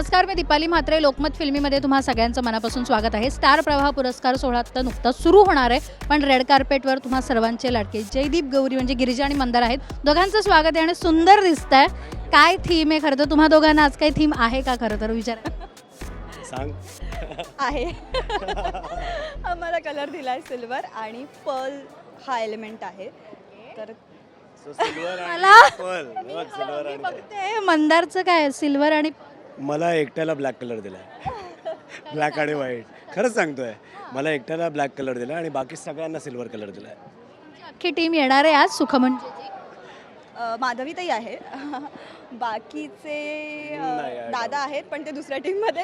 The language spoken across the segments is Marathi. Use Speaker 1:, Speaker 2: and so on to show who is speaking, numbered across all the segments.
Speaker 1: नमस्कार, मी दीपाली म्हात्रे. लोकमत फिल्मीमध्ये तुम्हा सगळ्यांचं मनापासून स्वागत आहे. स्टार प्रवाह पुरस्कार सोहळा आता नुकताच सुरू होणार आहे, पण रेड कार्पेटवर तुम्हा सर्वांचे लाडके जयदीप गौरी म्हणजे गिरिजा आणि मंदार आहेत. दोघांचं स्वागत आहे आणि सुंदर दिसत आहे. काय थीम आहे खरं तर? तुम्हा दोघांना आज काही थीम आहे का खरं तर? विचार
Speaker 2: सांग.
Speaker 3: आहे. आम्हाला कलर दिलाय सिल्वर आणि पर्ल हा एलिमेंट आहे. तर
Speaker 2: सिल्वर
Speaker 1: मला
Speaker 2: सिल्वर आणि
Speaker 1: बघते मंदारचं काय सिल्वर आणि
Speaker 2: मला एकट्याला ब्लॅक कलर दिलाय. ब्लॅक आणि व्हाईट. खरंच सांगतोय, मला एकट्याला ब्लॅक कलर दिला आणि बाकी सगळ्यांना सिल्वर कलर दिलाय.
Speaker 1: अख्खी टीम येणार आहे आज सुखमंजी.
Speaker 3: माधवीताई आहे. बाकीचे
Speaker 2: नाही,
Speaker 3: दादा आहेत पण ते दुसऱ्या टीम मध्ये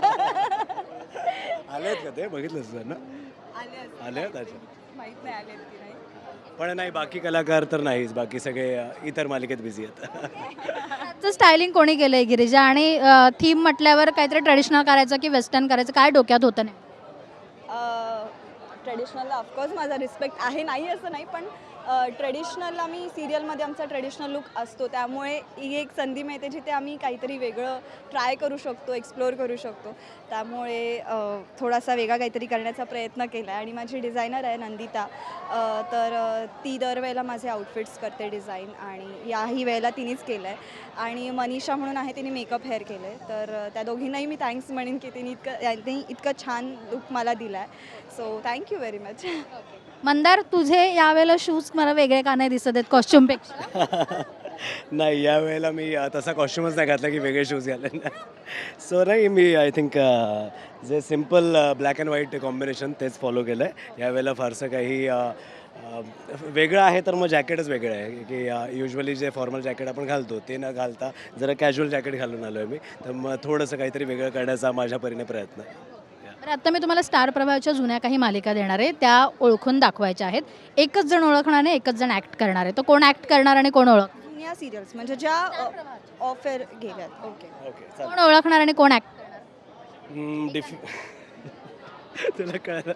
Speaker 2: आलेत का ते? बघितलं ना? आले आहेत अच्छा.
Speaker 3: माहित नाही आलेत की नाही.
Speaker 2: पण नाही, बाकी कलाकार तर नाहीच. बाकी सगळे इतर मालिकेत बिझी आहेत.
Speaker 1: स्टायलिंग कोणी केलंय गिरिजा? आणि थीम म्हटल्यावर काहीतरी ट्रेडिशनल करायचं की वेस्टर्न करायचं, काय डोक्यात होतं नाही?
Speaker 3: ट्रेडिशनलला ऑफकोर्स माझा रिस्पेक्ट आहे, नाही असं नाही, पण ट्रेडिशनलला मी सिरियलमध्ये आमचा ट्रेडिशनल लुक असतो, त्यामुळे ही एक संधी मिळते जिथे आम्ही काहीतरी वेगळं ट्राय करू शकतो, एक्सप्लोअर करू शकतो. त्यामुळे थोडासा वेगळा काहीतरी करण्याचा प्रयत्न केला आहे. आणि माझी डिझायनर आहे नंदिता, तर ती दरवेळेला माझे आउटफिट्स करते डिझाईन, आणि याही वेळेला तिनेच केलं आहे. आणि मनीषा म्हणून आहे, तिने मेकअप हेअर केलं आहे. तर त्या दोघींनाही मी थँक्स म्हणेन की त्यांनी इतकं छान लुक मला दिला आहे. So thank you very much.
Speaker 1: Mandar, तुझे यावेळेला शूज मला वेगळे का नाही दिसत आहेत कॉस्ट्युमपेक्षा?
Speaker 2: नाही, या वेळेला मी तसा कॉस्ट्युमच नाही घातला की वेगळे शूज घाले. सो नाही, मी आय थिंक जे simple black and white combination तेच फॉलो केलं आहे. यावेळेला फारसं काही वेगळं आहे तर मग जॅकेटच वेगळं आहे की युजली जे फॉर्मल जॅकेट आपण घालतो ते न घालता जरा कॅज्युअल जॅकेट घालून आलो आहे मी. तर मग थोडंसं काहीतरी वेगळं करण्याचा माझ्या परीने प्रयत्न आहे.
Speaker 1: तर आता मी तुम्हाला स्टार प्रवाहाच्या जुन्या काही मालिका देणार आहे, त्या ओळखून दाखवायच्या आहेत. एकच जण ओळखणार आहे, एकच जण ॲक्ट करणार आहे. तर कोण ॲक्ट करणार आणि कोण ओळख?
Speaker 3: जुन्या सिरियल्स म्हणजे ज्या ऑफर गेल्यात. ओके.
Speaker 2: ओके,
Speaker 1: कोण ओळखणार आणि कोण ॲक्ट करणार?
Speaker 2: तुला कळलं?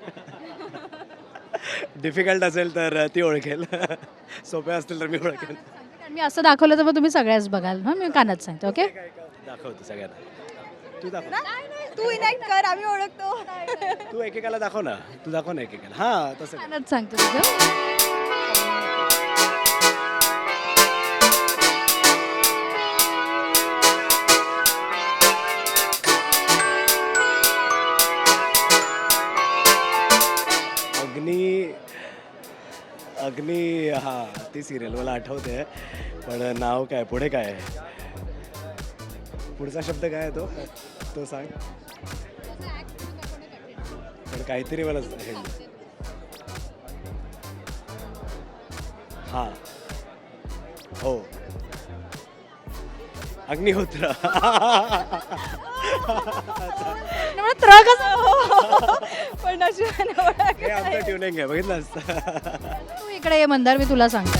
Speaker 2: डिफिकल्ट असेल तर ती ओळखेल, सोप्या असतील तर मी ओळखेल.
Speaker 1: मी असं दाखवलं तर मग तुम्ही सगळ्याच बघाल. मी कानात सांगते. ओके,
Speaker 2: दाखवतो सगळ्यांना. तू दाखव.
Speaker 3: तू इनॅक्ट कर, आम्ही ओळखतो.
Speaker 2: तू एकेकाला दाखव ना. तू दाखव ना एकेकाला. हां, तसं कर.
Speaker 1: कानात सांगते तुझं.
Speaker 2: अग्नी हां, ती सिरियल मला आठवते, पण नाव काय, पुढे काय आहे, पुढचा शब्द काय आहे तो सांग. पण काहीतरी मला हे हां, हो, अग्निहोत्र.
Speaker 3: पण
Speaker 2: हे आमचं ट्युनिंग आहे, बघितलं असतं.
Speaker 1: तू इकडे ये मंदार, मी तुला सांगते.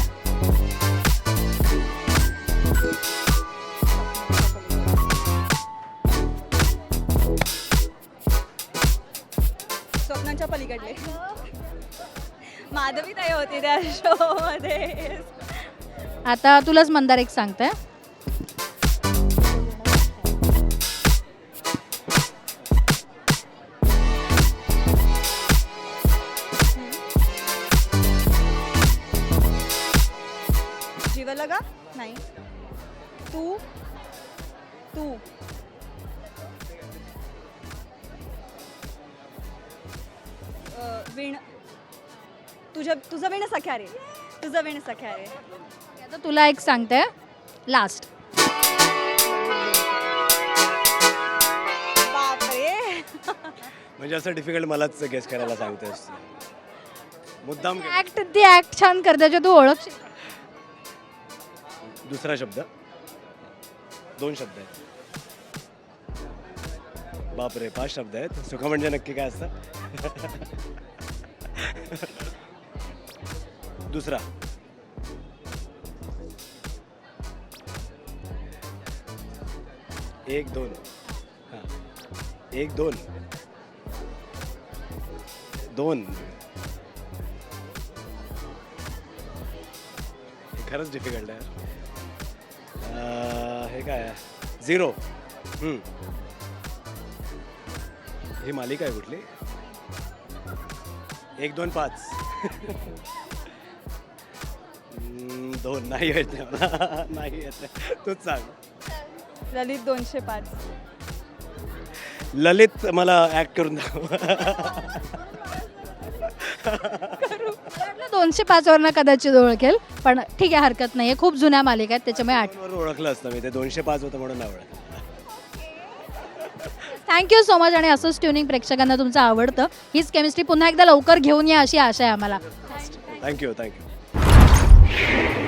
Speaker 3: स्वप्नांच्या पलीकडले माधवीताई होती त्या शो मध्ये.
Speaker 1: आता तुलाच मंदार एक सांगते.
Speaker 3: जीवला का नाही. तू तू विण तुझं विण सख्या रे. तुझं विण सख्या रे.
Speaker 1: आता तुला एक सांगते लास्ट.
Speaker 3: बापरे.
Speaker 2: म्हणजे असं डिफिकल्ट मलाच गेस करायला सांगतेस मुद्दाम.
Speaker 1: ऍक्ट, ती ऍक्ट छान करते जे तू ओळख.
Speaker 2: दुसरा शब्द, 2 शब्द आहेत. बापरे, 5 शब्द आहेत. सुख म्हणजे नक्की काय असतं? दुसरा, 1 2 हां, 1 2 2. खरंच डिफिकल्ट आहे. हे काय आहे? 0. ही मालिका आहे कुठली? 1, 2, 5 2 नाही येत मला. नाही येत. तूच सांग.
Speaker 3: ललित 205.
Speaker 2: ललित मला ॲक्ट करून दाखव.
Speaker 1: 205 वरनं कदाचित ओळखेल, पण ठीक आहे, हरकत नाही आहे. खूप जुन्या मालिका आहेत त्याच्यामुळे
Speaker 2: वर ओळखलं असतं मी. ते 205 होतं म्हणून नाही ओळखलं.
Speaker 1: Thank you so much. आणि असंच ट्युनिंग प्रेक्षकांना तुमचं आवडतं. हीच केमिस्ट्री पुन्हा एकदा लवकर घेऊन या अशी आशा आहे आम्हाला.
Speaker 2: थँक्यू.